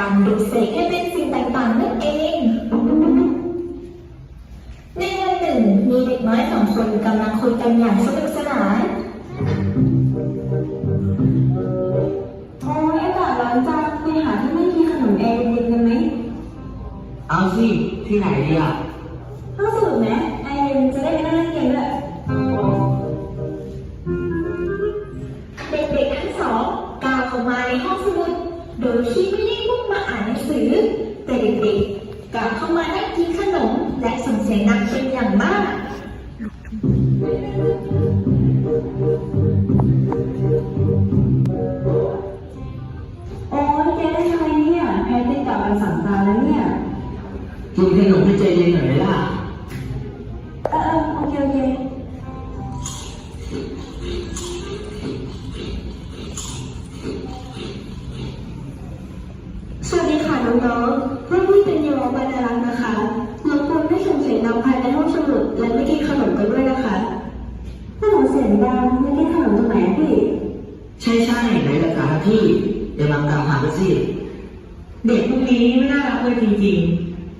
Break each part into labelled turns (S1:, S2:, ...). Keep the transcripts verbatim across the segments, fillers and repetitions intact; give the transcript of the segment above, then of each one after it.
S1: การดูดเสกให้เป็นสิ่งต่างๆนั่นเองในวันหนึ่งมีเด็กน้อยสองคนกำลังคุยกันอย่างสนุกสนาน
S2: โอ้ยอากาศร้อนจังไปหาที่ไม่มีขนมแอร์เย็นกันไหม
S3: เอาสิที่ไหนดีอ่ะ
S2: ห้องสมุดไหมแอร์เย็นจะได้ไปนั่งเล่นเกมด้วย
S1: เด็กๆทั้งสองก้าวเข้ามาในห้องสมุดโดยที่ไม่ได้มุ่งมาอ่านหนังสือแต่เด็กๆกลับเข้ามานั่งกินขนมและส่งเสียงดังเป็นอย่างมาก
S2: โอ้ยแกได้ยังไงเนี่ยแพ้ติดกับวันสังสารแล้วเนี่ย
S3: กินขนมให้ใจเย็นหน่อยไหมล่ะ
S2: เออเออโอเคโอเค
S1: สวัสดีค่ะน้องๆรุ่นพี่เป็นเยาวบรรลักษ์นะคะรบกวนไม่ส่งเสียงดังภายในห้องสมุดและไม่กินขนมกันด้วยนะคะ
S2: ถ้าหนูเสียงดังไม่ได้ขนมตรงไหนพี่
S3: ใช่ใช่ไหนราคาพี่เดี๋ยวลองตามหาไปสิเด็กพวกนี้ไม่น่ารักเลยจริง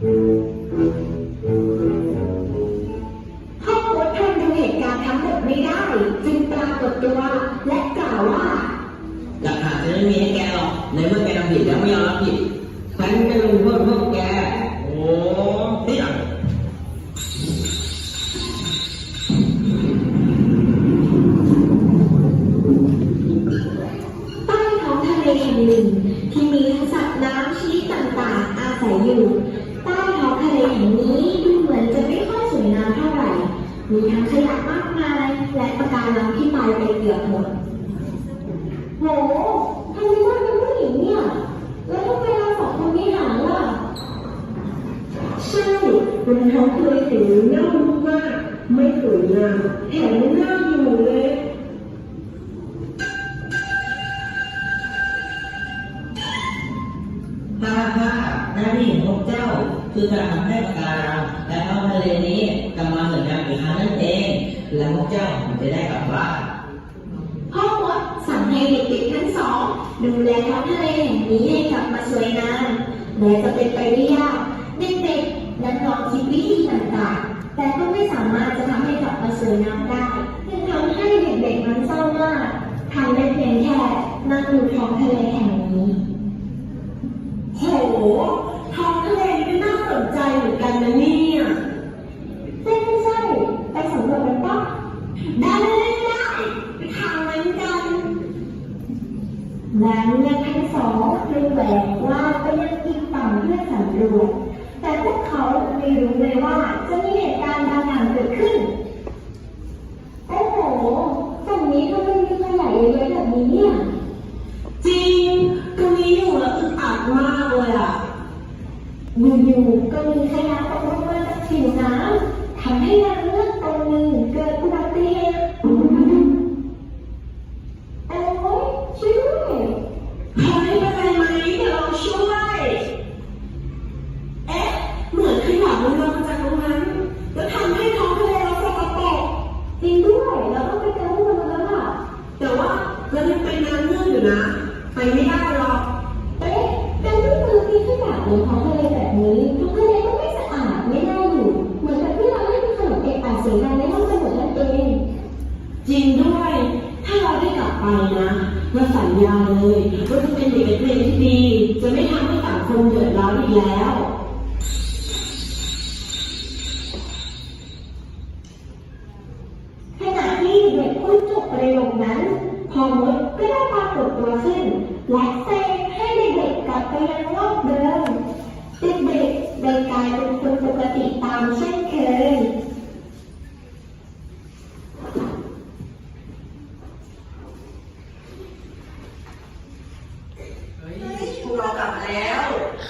S1: ๆพ่อโค้ชทนดูเหตุการณ์ทั้งหมดไม่ได้จึงปรากฏตัวและกล่าวว่า
S3: หลักฐานจะไม่มีให้แกหรอกในเมื่อแกทำผิดแล้วไม่ยอมรับผิดฉันจะลงโทษพวกแกโอ้เนี่ย
S1: ใต้ท้องทะเลแห่งหนึ่งที่มีทั้งสัตว์น้ำชนิดต่างๆอาศัยอยู่ใต้ท้องทะเลแห่งนี้ดูเหมือนจะไม่ค่อยสวยงามเท่าไหร่มีทั้งขยะมากมายและปะการังที่ตายไปเกือบหมดโหทำไมว่าเป็นผู้หญิงเนี่ยแล้วทำไมเราสองคนไม่หาล่ะใช่รองเท้าเคยสีเน่ามากไม่สวยงามแถมไม่น่าอยู่เลย
S3: ถ้าถ้าหน้าที่ของพวกเจ้าคือการทำให้ปะการังและท้องทะเลนี้กลับมาสวยงามอีกครั้งนั่นเองและพวกเจ้าจะได้กลับบ้าน
S1: พ่อมดสั่งให้เด็กๆทั้งสองดูแลท้องทะเลแห่งนี้ให้กลับมาสวยงามแม้จะเป็นไปได้ยากเด็กๆนั้นลองคิดวิธีต่างๆแต่ก็ไม่สามารถจะทำให้กลับมาสวยงามได้จึงทำให้เด็กๆนั้นเศร้ามากทำได้เพียงแค่นั่งดูท้องทะเลแห่งนี้โหท้องทะเลนี่น่าสนใจเหมือนกันนะเนี่ยใช่ไม่ใช่ไปสำรวจกันปะได้ได้ได้ไปทางนั้นกันแล้วเนี่ยทั้งสองเลยแหวกว่าไปยังอีกฝั่งเพื่อสำรวจแต่พวกเขาไม่รู้เลยว่าจะมีเหตุการณ์บางอย่างเกิดขึ้นโอ้โหฝั่งนี้ทำไมมีขยะเยอะๆแบบนี้เนี่ย
S2: จริงตรงนี้อยู่แล้วอึดอัดมากเลยอ่ะ
S1: อยู่ๆก็มีขยะตกลงมาจากผิวน้ำทำให้นางเงือกตัวหนึ่งเกิดอุบัติเหตุโอ้ยช่วยด้วย
S2: เฮ้ยเป็นไรไหมเดี๋ยวเราช่วยเอ๊ะเหมือนขยะมันลงมาจากตรงนั้นแล้วทำให้ท้องทะเลเราสกปรก
S1: จริงด้วยเราต้องไปเจอพวกมันแล้วล่ะ
S2: แต่ว่าเรายังเป็นน้ำเงื่อนอยู่นะไปไม่ได้หรอก
S1: เอ๊ะการที่มือมีขยะบนท้องทะเลแบบนี้ท้องทะเลก็ไม่สะอาดไม่น่าอยู่เหมือนกับที่เราเล่นขนมเอกอาเสียงดังในห้องสมุดนั่นเอง
S2: จริงด้วยถ้าเราได้กลับไปนะเราสัญญาเลยว่าจะเป็นเด็กนักเรียนที่ดีจะไม่ทำให้สังคมเดือดร้อนอีกแล้ว
S1: ขณะที่เด็กพูดจบประโยคนั้นพ่อมดก็ได้ปรากฏตัวขึ้นและเซให้เด็กๆกลับไปยังโลกเดิมเด็กๆได้กลายเป็นคนปกติตามเช่นเคย
S3: พวกเรากลับมาแล้ว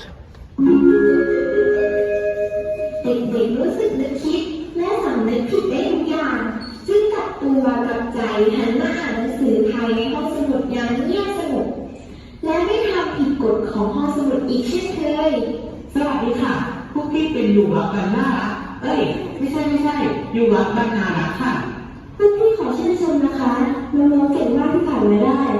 S1: เด็กๆรู้สึกนึกคิดและสำนึกผิดได้ทุกอย่างจึงกลับตัวกลับใจหันมาอ่านหนังสือภายในห้องสมุดอย่างเงียบสงบและไม่ทำผิดกฎของห้องสมุดอีกเช่นเคย
S3: สวัสดีค่ะพวกที่เป็นอยู่รักกันน่ารักเอ้ยไม่ใช่ไม่ใช่อยู่รักกันน่ารักค่ะ
S1: พวกพี่ขอชื่นชมนะคะน้องๆเก่งมากที่ผ่านมาได้